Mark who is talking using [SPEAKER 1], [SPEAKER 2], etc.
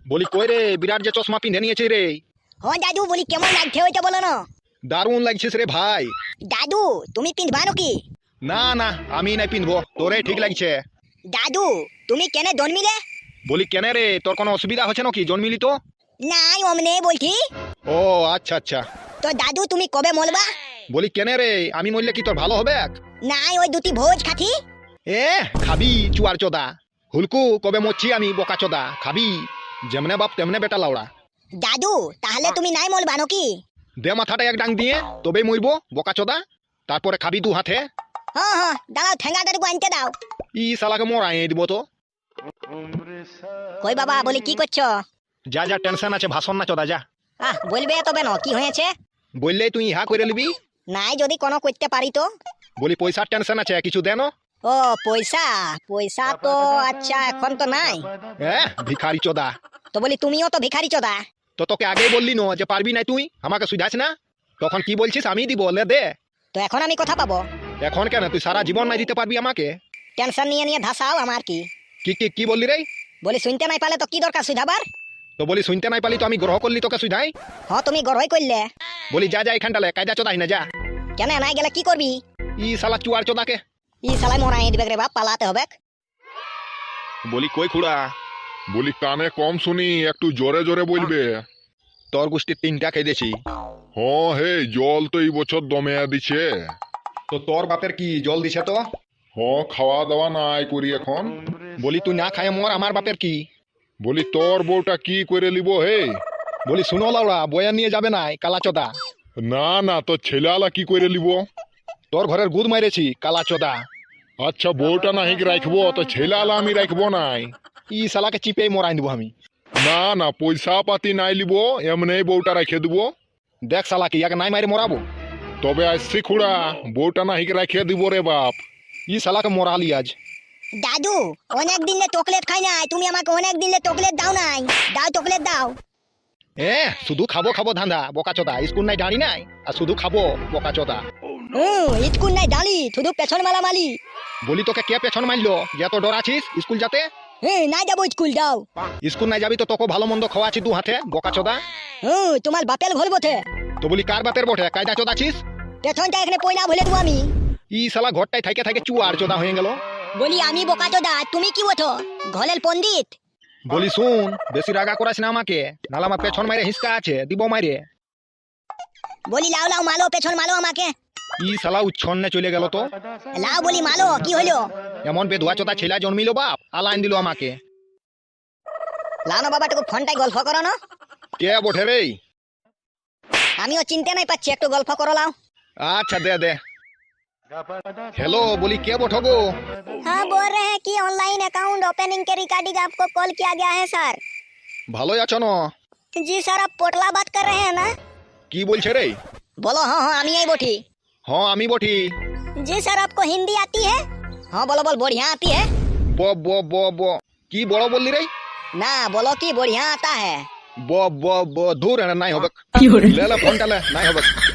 [SPEAKER 1] বলি কই রে, বিরাট যে চশমা পিঁধে নিয়েছে রে।
[SPEAKER 2] হ দাদু, বলি কেমন লাগছে ওইটা বলো না।
[SPEAKER 1] দারুণ লাগছিস রে ভাই।
[SPEAKER 2] দাদু তুমি পিঁধবা নাকি?
[SPEAKER 1] না না, আমি নাই পিঁধবো, তোরে ঠিক লাগছে।
[SPEAKER 2] দাদু তুমি কেনে জন্মিলে?
[SPEAKER 1] বলি কেনে রে, তোর কোনো অসুবিধা হচ্ছে নাকি জন্মিলি তো?
[SPEAKER 2] নাই অমনে বলছি।
[SPEAKER 1] ও আচ্ছা আচ্ছা।
[SPEAKER 2] তো দাদু তুমি কবে মরবা?
[SPEAKER 1] বলি কেনে রে, আমি মরলে কি তোর ভালো হবে?
[SPEAKER 2] নাই ওই দুটি ভোজ খাতি।
[SPEAKER 1] এ খাবি চুয়ার চোদা। হুলকু কবে মরছি আমি বোকা চোদা, খাবি যেমনে বাপ তেমনে বেটা লাউড়া।
[SPEAKER 2] দাদু তাহলে তুমি নাই মরবা নাকি?
[SPEAKER 1] দে মাথাটা এক ডাং দিয়ে, তবেই মরবো বোকা চোদা। তারপরে খাবি দু হাতে।
[SPEAKER 2] হ্যাঁ হ্যাঁ দাঁড়াও, ঠেঙ্গাটাটুকু আনতে দাও।
[SPEAKER 1] ই শালাকে মরাই দিব তো।
[SPEAKER 2] কই বাবা, বলি কি করছো?
[SPEAKER 1] যা যা টেনশন আছে ভাষণ না চোদা যা।
[SPEAKER 2] বলবে তবে না কি হয়েছে?
[SPEAKER 1] বললেই তুই ইহা করে নিবি।
[SPEAKER 2] নাই যদি কোনো করতে পারি তো।
[SPEAKER 1] বলি পয়সার টেনশন আছে, কিছু দেন।
[SPEAKER 2] ও পয়সা, পয়সা তো আচ্ছা এখন তো নাই।
[SPEAKER 1] ভিখারি চোদা।
[SPEAKER 2] তো বলি তুমিও তো ভিখারি চোদা।
[SPEAKER 1] তো তোকে আগেই বললি না যে পারবি না তুই, আমাকে সুধাস না। তখন কি বলছিস আমি দিব, লে দে।
[SPEAKER 2] তো এখন আমি কথা পাবো?
[SPEAKER 1] এখন কেন, তুই সারা জীবন নাই দিতে পারবি আমাকে।
[SPEAKER 2] টেনশন নিয়ে নিয়ে ধাসাও আমার কি।
[SPEAKER 1] কি কি কি বললি রে?
[SPEAKER 2] বলি শুনতে নাই পালে তো কি দরকার সুধাবার?
[SPEAKER 1] তো বলি শুনতে নাই পালি তো আমি গ্রহ করলি তোকে সুধাই।
[SPEAKER 2] হ্যাঁ তুমি গড়ই করলে।
[SPEAKER 1] বলি যা যা এখানটা লে, কায়দা চোদাই না যা।
[SPEAKER 2] কেন নাই গেলে কি করবি?
[SPEAKER 1] ই শালা চুয়ার চোদাকে।
[SPEAKER 2] ই শালাই মরাই দিবে রে বাপ, পালাতে হবে।
[SPEAKER 1] বলি কই খুড়া?
[SPEAKER 3] বলি কানে কম শুনি, একটু জোরে জোরে বলবে।
[SPEAKER 1] তোর গোষ্ঠীর তিনটা খেয়েছি।
[SPEAKER 3] হে জল তো এই বছর দমে দিছে।
[SPEAKER 1] তো তোর বাপের কি জল দিছে তো?
[SPEAKER 3] খাওয়া দাওয়া নাই করি এখন।
[SPEAKER 1] বলি তুই না খায় মর, আমার বাপের কি?
[SPEAKER 3] বলি তোর বউটা কি করে লিব হে?
[SPEAKER 1] বলি শুনো লাউড়া, বয়া নিয়ে যাবে নাই কালা চোদা।
[SPEAKER 3] না না, তোর ছেলেলা কি করে লিব?
[SPEAKER 1] তোর ঘরের গুদ মাইরেছি কালা চোদা।
[SPEAKER 3] আচ্ছা বউটা নাহি রাখবো, তো ছেলেলা আমি রাখবো নাই।
[SPEAKER 1] ই শালাকে চিপেই মরাই দিব আমি।
[SPEAKER 3] না না, পয়সা পাতি নাই লিব, এমনি বউটা রেখে দিব।
[SPEAKER 1] দেখ শালাকে ইয়াকে নাই মারি মরাবো।
[SPEAKER 3] তবে আসছি খুড়া, বউটা নাহি রেখে দিব রে বাপ।
[SPEAKER 1] ই শালাকে মরালি আজ।
[SPEAKER 2] দাদু অনেক দিন চকলেট খাই নাই, তুমি আমাকে অনেক দিন চকলেট দাও নাই। দাও চকলেট দাও।
[SPEAKER 1] শুধু খাবো খাবো ধান্দা বোকা চোদা, স্কুল নাই দাঁড়ি নাই আর শুধু খাবো বোকা চোদা।
[SPEAKER 2] স্কুল নাই ডালি, শুধু পেছন মালা মালি।
[SPEAKER 1] বলি তোকে কে পেছন মারলো যে এত ডর আছিস স্কুল যাতে?
[SPEAKER 2] নাই যাবো স্কুল, যাও।
[SPEAKER 1] স্কুল নাই যাবি তো তোকে ভালো মন্দ খাওয়াছি দু হাতে বোকা চোদা।
[SPEAKER 2] তোমার বাপের ঘর বটে।
[SPEAKER 1] তো বলি কার বাপের বটে, কায়দা চোদা আছিস?
[SPEAKER 2] পেছনটা এখানে পয়লা ভুলে দেবো আমি।
[SPEAKER 1] ই শালা ঘরটাই থাকে থাকে চুয়ার চোদা হয়ে গেল।
[SPEAKER 2] বলি আমি বোকা চোদা, তুমি কি বটো ঘরের পণ্ডিত?
[SPEAKER 1] বলি শুন, বেশি রাগা করাস না আমাকে, নাহলে আমার পেছন মাইরে হিসকা আছে দিব মাইরে।
[SPEAKER 2] বলি লাও লাও মালো, পেছন মালো আমাকে।
[SPEAKER 1] ই শালা উচ্ছন্নে চলে গেল তো।
[SPEAKER 2] লাও বলি মালো, কি হলো?
[SPEAKER 1] এমন বেধুয়া চোদা ছেলে জন্মিল বাপ, আলাইন দিল আমাকে।
[SPEAKER 2] লাও না বাবা, টুকু ফোনটাই গল্প করো না।
[SPEAKER 1] কে বটে রে?
[SPEAKER 2] আমিও চিনতে নাই পাচ্ছি, একটু গল্প করো লাও।
[SPEAKER 1] अच्छा दे दे। हेलो, बोली क्या बोठो गो?
[SPEAKER 2] हाँ बोल रहे हैं कि ऑनलाइन अकाउंट ओपनिंग के रिगार्डिंग आपको कॉल किया गया है सर।
[SPEAKER 1] ভালো আছো না?
[SPEAKER 2] जी सर, आप पोटला बात कर रहे हैं ना?
[SPEAKER 1] কি বলছে রে?
[SPEAKER 2] बोलो हाँ हाँ আমি এই বটি।
[SPEAKER 1] हाँ আমি বটি।
[SPEAKER 2] जी सर, आपको हिंदी आती है? हाँ बोलो बोल, बढ़िया आती है।
[SPEAKER 1] ব ব ব ব কি বড় বললি রে?
[SPEAKER 2] ना बोलो कि बढ़िया आता है।
[SPEAKER 1] ব ব ব দূর নাই হবে। লে লে ফোনটা লে, নাই হবে।